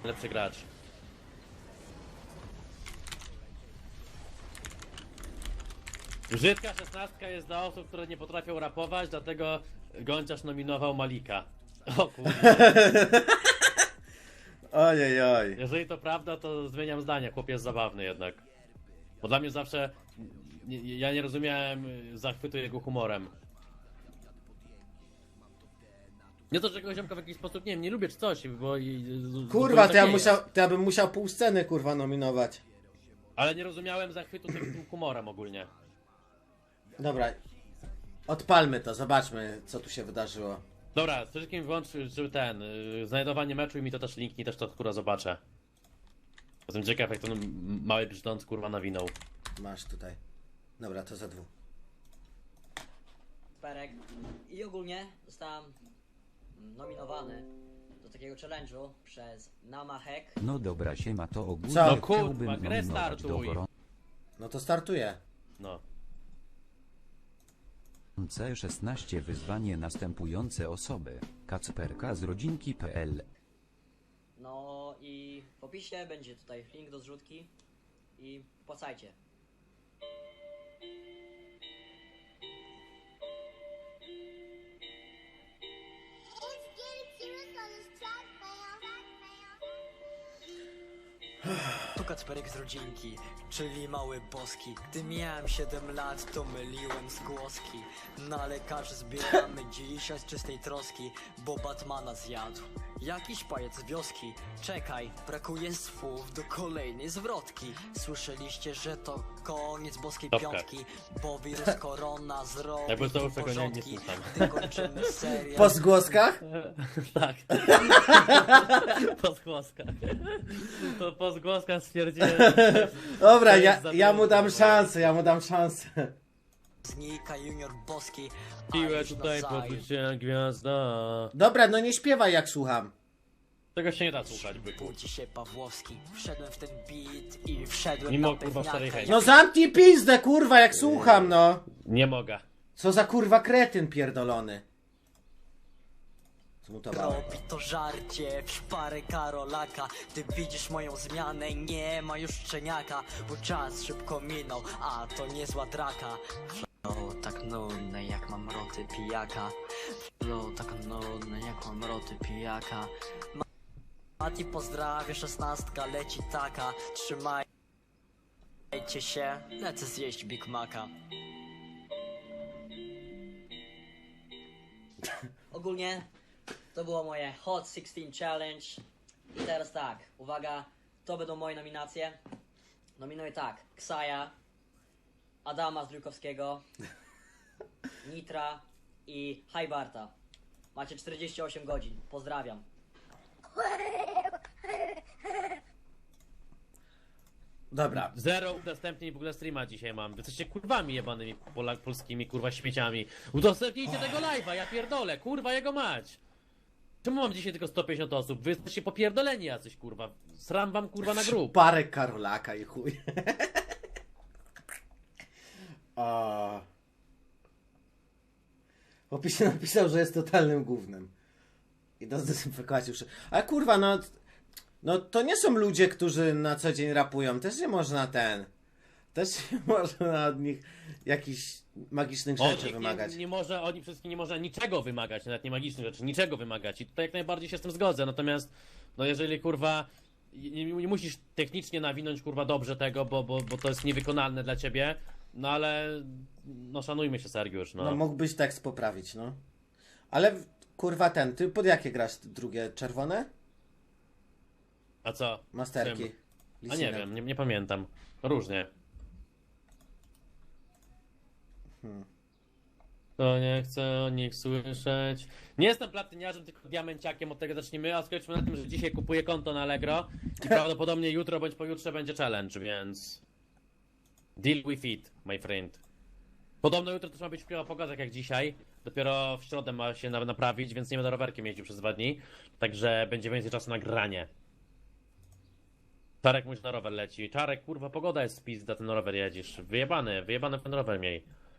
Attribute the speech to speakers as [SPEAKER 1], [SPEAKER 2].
[SPEAKER 1] Lepszy gracz. Brzydka 16 jest dla osób, które nie potrafią rapować, dlatego Gonciarz nominował Malika. O kurde.
[SPEAKER 2] Ojej.
[SPEAKER 1] Jeżeli to prawda, to zmieniam zdanie. Chłop jest zabawny jednak. Bo dla mnie zawsze... Ja nie rozumiałem zachwytu jego humorem. Nie to, że tego ziomka w jakiś sposób, nie wiem, nie lubię czy coś, bo...
[SPEAKER 2] Kurwa,
[SPEAKER 1] tak nie jest.
[SPEAKER 2] to ja bym musiał pół sceny, kurwa, nominować.
[SPEAKER 1] Ale nie rozumiałem zachwytu tym humorem ogólnie.
[SPEAKER 2] Dobra. Odpalmy to, zobaczmy, co tu się wydarzyło.
[SPEAKER 1] Dobra, przede wszystkim wyłączył ten, znajdowanie meczu i mi to też linknij, też to kurwa zobaczę. Jestem ciekaw jak ten mały brzdąc kurwa nawinął.
[SPEAKER 2] Masz tutaj. Dobra, to za dwóch.
[SPEAKER 3] Perek. I ogólnie zostałem nominowany do takiego challenge'u przez Namahek.
[SPEAKER 4] No dobra, siema, to ogólnie
[SPEAKER 2] Co? No
[SPEAKER 1] kurwa,
[SPEAKER 4] chciałbym
[SPEAKER 1] grę
[SPEAKER 4] nominować
[SPEAKER 1] startuj.
[SPEAKER 4] do
[SPEAKER 2] No to startuję.
[SPEAKER 1] No.
[SPEAKER 4] gorące 16 wyzwanie następujące osoby. Kacperka z rodzinki.pl.
[SPEAKER 3] No i w opisie będzie tutaj link do zrzutki i płacajcie.
[SPEAKER 5] Tu Kacperek z rodzinki, czyli mały boski. Gdy miałem 7 lat, to myliłem zgłoski. Na lekarzy zbieramy dzisiaj z czystej troski, bo Batmana zjadł jakiś pajac z wioski. Czekaj, brakuje słów do kolejnej zwrotki. Słyszeliście, że to koniec boskiej
[SPEAKER 1] Topka.
[SPEAKER 5] piątki, bo wirus korona zrobił
[SPEAKER 1] Jakby to już tego nie
[SPEAKER 5] porządki.
[SPEAKER 1] słucham.
[SPEAKER 5] Gdy kończymy serial.
[SPEAKER 2] Po zgłoskach?
[SPEAKER 1] Tak. Po zgłoskach. To po zgłoskach stwierdziłem.
[SPEAKER 2] Dobra,
[SPEAKER 1] To jest
[SPEAKER 2] ja mu dam
[SPEAKER 1] zabawne.
[SPEAKER 2] szansę,
[SPEAKER 5] Znika junior boski, a
[SPEAKER 1] Piłę
[SPEAKER 5] już
[SPEAKER 1] tutaj
[SPEAKER 5] nazajutrz.
[SPEAKER 1] poczuć się gwiazda.
[SPEAKER 2] Dobra, no nie śpiewaj jak słucham.
[SPEAKER 1] Tego się nie da słuchać, byku.
[SPEAKER 5] Budzi się Pawłowski, wszedłem w ten beat i wszedłem
[SPEAKER 1] Mimo,
[SPEAKER 5] na
[SPEAKER 1] kurwa,
[SPEAKER 5] pewniaka.
[SPEAKER 1] starej chęci.
[SPEAKER 2] No zamknij pizdę, kurwa, jak słucham, no.
[SPEAKER 1] Nie mogę.
[SPEAKER 2] Co za kurwa kretyn pierdolony. Zmutowałem.
[SPEAKER 5] Robi to żarcie w szparę Karolaka. Gdy widzisz moją zmianę, nie ma już szczeniaka, bo czas szybko minął, a to niezła draka. Flow tak nudne jak mam roty pijaka. Flow tak nudne jak mam roty pijaka. Mati pozdrawia, 16 leci taka. Trzymajcie się, lecę zjeść Big Maca.
[SPEAKER 3] Ogólnie to było moje Hot 16 Challenge. I teraz tak, uwaga, to będą moje nominacje. Nominuję tak, Ksaja, Adama Zdrójkowskiego, Nitra i Hajbarta. Macie 48 godzin, pozdrawiam.
[SPEAKER 2] Dobra.
[SPEAKER 1] Zero udostępnień w ogóle streama dzisiaj mam. Wy jesteście kurwami jebanymi polskimi kurwa śmieciami. Udostępnijcie tego live'a, ja pierdolę, kurwa jego mać. Czemu mam dzisiaj tylko 150 osób? Wy jesteście popierdoleni jacyś kurwa. Sram wam kurwa na grób.
[SPEAKER 2] Parę Karolaka i chuj. O. W opisie napisał, że jest totalnym gównem. I do zdezynfekować już. Ale kurwa, no to nie są ludzie, którzy na co dzień rapują. Też nie można też nie można od nich jakichś magicznych rzeczy wymagać.
[SPEAKER 1] Nie może, oni wszystkim nie można niczego wymagać, nawet nie magicznych rzeczy, niczego wymagać. I tutaj jak najbardziej się z tym zgodzę. Natomiast, no jeżeli kurwa, nie musisz technicznie nawinąć kurwa dobrze tego, bo to jest niewykonalne dla ciebie. No ale, no szanujmy się Sergiusz, no.
[SPEAKER 2] No mógłbyś tekst poprawić, no. Ale kurwa ty pod jakie grasz drugie? Czerwone?
[SPEAKER 1] A co?
[SPEAKER 2] Masterki.
[SPEAKER 1] Czym? A nie
[SPEAKER 2] Lisinem.
[SPEAKER 1] wiem, nie pamiętam. Różnie. To nie chcę o nich słyszeć. Nie jestem platyniarzem, tylko diamenciakiem, od tego zacznijmy. A skończmy na tym, że dzisiaj kupuję konto na Allegro i prawdopodobnie jutro bądź pojutrze będzie challenge, więc... Deal with it, my friend. Podobno jutro też ma być wpływa pogoda, tak jak dzisiaj. Dopiero w środę ma się naprawić, więc nie będę rowerkiem jeździł przez 2 dni. Także będzie więcej czasu na granie. Czarek mój na rower leci. Czarek, kurwa, pogoda jest spizda, ten rower jedziesz. Wyjebany w ten rower miej.